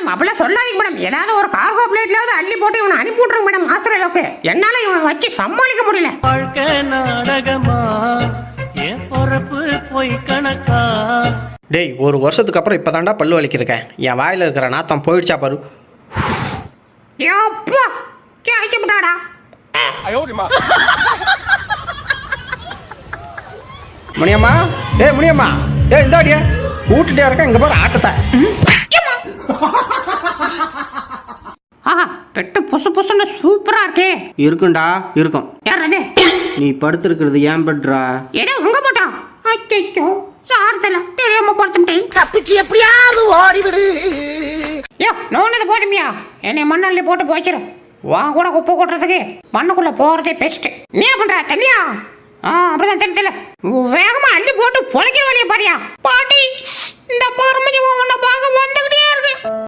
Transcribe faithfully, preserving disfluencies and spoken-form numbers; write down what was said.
Madam அப்படிலாம் சொல்லாதீங்க madam. ஏதாவது ஒரு கார்கோ பிளேட்லாவது அள்ளி போட்டு இவனை அனுப்பி விட்ருங்க மேடம் ஆஸ்திரேலியாவுக்கு. என்னால இவனை வச்சு சமாளிக்க முடியல. வாழ்க்கை நாடகமா என் பொறப்பு போய் கணக்கா. டேய் ஒரு வருஷத்துக்கு அப்புறம் இப்போ தாண்டா பல்லு வலிக்கிருக்கேன். என் வாயில் இருக்கிற நாத்தம் போயிடுச்சா பாரு. எப்பா கேட்கப்பட்டாடா. முனியம்மா ஏய் முனியம்மா ஏய் இந்தாடிய கூட்டுட்டே இருக்க இங்கே பாரு ஆட்டத்தை. ஆஹா பெட்டு புசு புசுன்னு சூப்பரா இருக்கே. இருக்குண்டா இருக்கும். யார் அது? நீ படுத்திருக்கிறது ஏன் பெட்ரா? ஏதோ உங்க போட்டா. அச்சோ சார்தல தெரியாம படுத்துட்டேன். தப்பிச்சு எப்படியாவது ஓடிவிடு. யோ நோனது போதுமியா? என்னை மண்ணள்ளி போட்டு போச்சிரு. வா கூட குப்பை கொட்டுறதுக்கு மண்ணுக்குள்ள போறதே பெஸ்ட். நீ பண்ற தனியா? ஆ அப்படிதான் தெரியல தெரியல. வேகமா அள்ளி போட்டு பொழைக்கிற வழியை பாரியா பாட்டி. இந்த பொறுமையை உன்னை பார்க்க வந்துகிட்டே இருக்கு.